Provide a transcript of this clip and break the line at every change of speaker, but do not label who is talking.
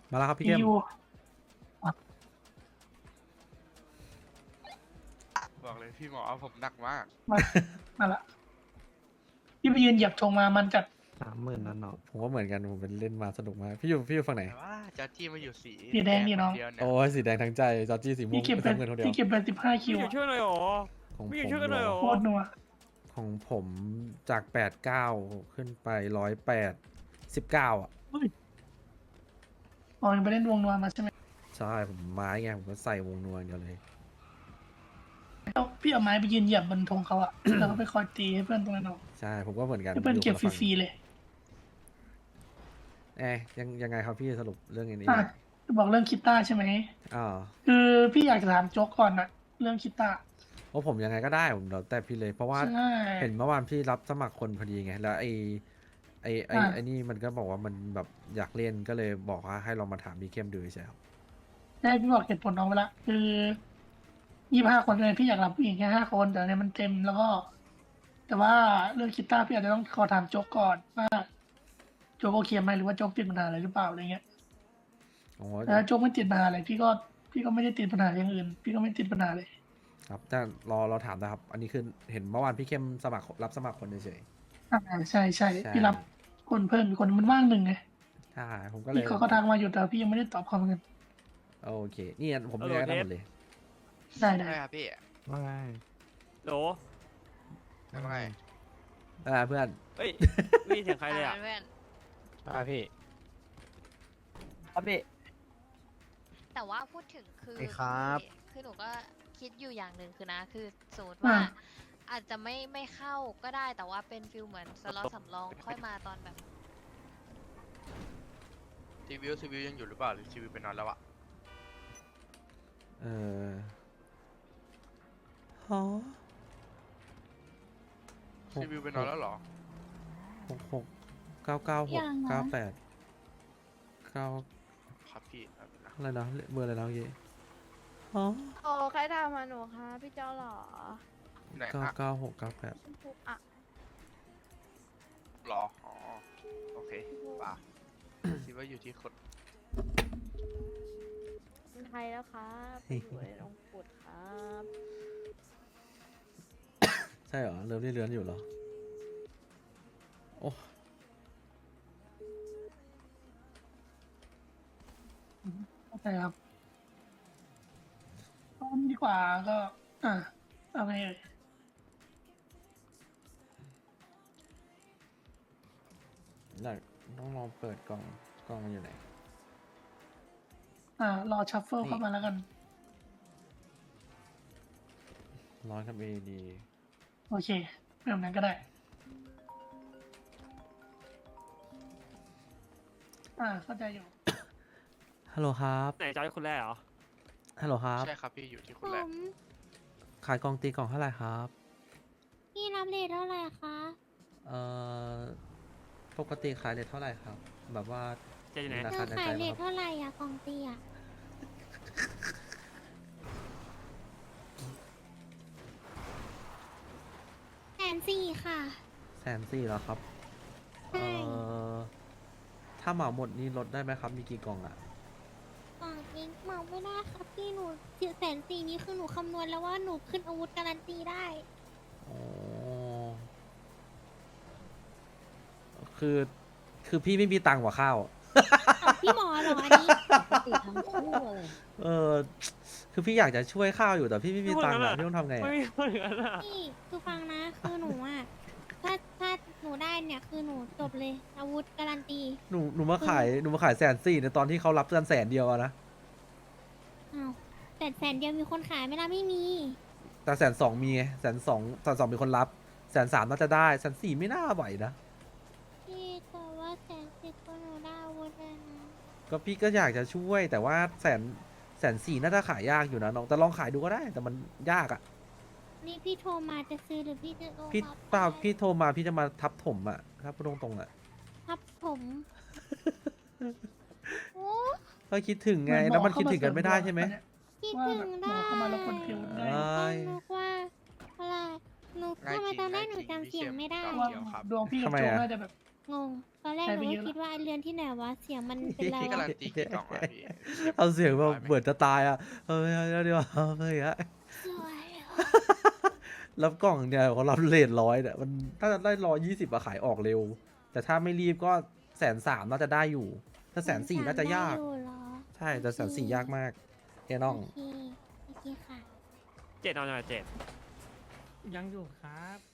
มาแล้วครับพี่
พี่
เข้ม
ยู
บอกเลยพี่หมอเอาผมหนักมาก
มามาละพี่ไปยืนเหยียบธงมามันจัด
30,000นั่นเนาะ
ผมก็เหมือนกันผมเป็นเล่นมาสนุกมากพี่อยู่ฝั่งไหน
แต่ว่าจอร์จี้มาอยู่สี
สีแดงนี่น้อง
คเดียวเนี่ย
โอ้ยสีแดงทั้งใจจอร์จี้สีม่ว
พี่
ง
เก็บไป
น้ำเงินคนเดียว
พี่เก็บไป15 คิว
ไม่อยู่ช่วยหน่อยหรอ
ของ
ไม่
ผ
อยู่
ม
ช่วยกันหน่อยหรอ
โคตรนัว
ของผมจาก89ขึ้นไป108 19อ่ะ
อ๋อยังไปเล่นวงนัวมาใช่ไหม
ใช่ผมไม้ไงผมก็ใส่วงนวลเดียวเลย
พี่เอาไม้ไปยืนเหยียบบนธงเขาอะ แล้วก็ไปคอยตีให้เพื่อนตรงนั้นเอา
ใช่ผมก็เหมือนกัน
ให้เพื่อนเก็บฟ
ยู่คนละฝั่ง
รีๆเลย
ยังไงครับพี่สรุปเรื่องนี้
อ่ะบอกเรื่องคิตต้าใช่ไหม
อ๋อ
คือพี่อยากจะถามโจ๊กก่อนนะเรื่องคิตต้า
เพราะผมยังไงก็ได้ผมแล้วแต่พี่เลยเพราะว่า
ใช่
เห็นเมื่อวานพี่รับสมัครคนพอดีไงแล้วไอ้นี่มันก็บอกว่ามันแบบอยากเล่นก็เลยบอกว่าให้ลองมาถามพี่เข้มดูใช่ครับ
ได้พี่บอกเหตุผลน้องไปละคือ25 คนเลยพี่อยากรับผู้หญิงแค่5 คนแต่เนี่ยมันเต็มแล้วก็ แต่ว่าเรื่องคิตต้าพี่อาจจะต้องขอถามโจ๊กก่อนว่าโจ๊กโอเคไหมหรือว่าโจ๊กติดปัญหาอะไรหรือเปล่าอะไรเงี้ย
โอ้
แต่ถ้าโจ๊กไม่ติดปัญหาอะไรพี่ก็ไม่ได้ติดปัญหาอย่างอื่น พี่ก็ไม่ติดปัญหาเลย
ครับแต่เราถามนะครับ อันนี้คือเห็นเมื่อวานพี่เข้มรับสมัครคนเฉย
อ่าใช่
ใช่
พี่รับคนเพิ่มอีกคนมันว่าง1ไง
ๆใช่ผมก็เลย
พี่เขาก็ทักมาอยู่แต่พี่ยังไม่ได้ตอบเขาเหมือนกัน
โอเคนี่ผมเรียกได้หมดเลย
ได้
ใช่ครับพี่
ว่าไง
โหล
ทำไม
เพื่อน
เฮ้ยไม่มีเสียงใครเลยอ่ะ
เพื่อน
พี่ ครับพี่
แต่ว่าพูดถึงคือ
ไอ้ครับ
คือหนูก็คิดอยู่อย่างหนึ่งคือนะ คือสมมติว่า อาจจะไม่เข้าก็ได้แต่ว่าเป็นฟิลเหมือนสล็อตสำรองค่อยมาตอนแบบ
ซีวิวยังอยู่หรือเปล่าหรือซีวิวไปนอนแล้วอะ
เออฮะ
ซีวิวไปนอนแล้วเหรอ
66 996 98 9
ครับพี่ครับนะ
อะไรนะเบอร์อะไรนะเมื่อกี้ฮะ
โอ้ใครทำมาหนูคะพี่เจ้าหรอ
ไหนอะ
996 98
ชมพูอ่ะ
หรออ๋อโอเคป่ะคิดว่าอยู่ที่คน
คนไทยแล้วครับไปอยู่ในลงกุดครับ
ใช่เหรอเริ่มเลื่อนอยู่เหรอโอ้
เข้าใจครับตอนนี้ดีกว่าก็ เอาไงเอ่ย
ต้องลองเปิดกล่องมันอยู่ไหน
รอชัฟเฟิลเข้ามาแล้วกัน
ร้อนครับ AD
โอเคแบบนั้นก็ได้ เข้าใจอยู่
ฮัลโหลครับ
ไหนจอยคนแรกเหรอ
ฮัลโหลครับ
ใช่ครับพี่อยู่ที่ค
ผ
นแรก
ม
ขายกล่องตีกล่องเท่าไหร่ครับ
พี่รับเลทเท่าไหร่คะ
เอ่อ ปกติขายเรทเท่าไหร่ครับ แบบว่า
เจะอยู่ไหน
รา
เธ
คา
อ
ใน
ขา
ใจ
ยเล
ไหม
ท
ครับ
เท่าไหร่อะกล่องเตีย140,000ค่ะ
140,000แล้วครับ
ใช่
ถ้าเหมาหมดนี่ลดได้ไหมครับ มีกี่กล่องอ่ะ
กล่องนี้เหมาไม่ได้ครับพี่หนู140,000นี้คือหนูคำนวณแล้วว่าหนูขึ้นอาวุธการันตีได้
อ๋อ คือพี่ไม่มีตังค์กว่าข้าว
พี่หมอเหรออันนี้
ติดทั้งคู่เลย
เออ คือพี่อยากจะช่วยข้าวอยู่แต่พี่ไม่มีตังค์อะพี่ต้องทำไง
ไม่
อะ
มีคนอย่างนั้นอ่ะ
พี่คือฟังนะคือหนูอ่ะถ้าหนูได้เนี่ยคือหนูจบเลยอาวุธการันตี
หนูมาขาย140,000ในตอนที่เขารับกัน100,000อะนะ
อ้าวแต่100,000เดียวมีคนขายไหมล่ะไม่มี
แต่120,000มีไง120,000มีคนรับ130,000น่าจะได้140,000ไม่น่าไหวนะ
พี่แต่ว่า110,000ก็หนูได้อาวุธเลยนะ
ก็พี่ก็อยากจะช่วยแต่ว่า140,000น่าจะขายยากอยู่นะน้องแต่ลองขายดูก็ได้แต่มันยากอะ
นี่พี่โทรมาจะซื้อหรือพี่จะโอน
พี่
รับ
เปล่า
ไป
พี่โทรมาพี่จะมาทับถมอะถ้าพูดตรงๆอะ
ครับผม โอ้
ก็คิดถึงไงแล้วมันคิดถึงกันไม่ได้ใช่ไหม
คิด
ว่า
ถึ
แบบ
ง
หม
ได้
อเข้ามาแล้วคนคิวได้
เอ้ย
นึกว่าอะไรหนูทำไมตอนแรกหนูจำเสียงไม่ได้
ว่า
เดี๋ยวครับ
ดวงพี่กับ
ทำไม
โจ๊ก
อะ
น่าจะแบบ
งง ตอนแรก
ใช่
หนู
ไปเย
ก็
อะ
คิดว่าไอ้เรือนที่ไหนวะ เสียงมันเป็นไร
พี่
วะ
การันตีกี่กล่องวะพี่
เอาเสียงแบบเบิดจะตายอ่ะเออเดี๋ยวเฮ้ยอะ
สวยอะ
รับกล่องเนี่ยเขารับเลท100เนี่ยมันถ้าจะได้120อะขายออกเร็ว แต่ถ้าไม่รีบก็130,000น่าจะได้อยู่ ถ้า140,000น่าจะยาก
ได้อยู่เหรอ
ใช่แต่140,000ยากมากเอ้น้อง
โอเค โอเคค่ะ
เจ็ดเอาหน่อยเจ็ด
ยังอยู่ครับ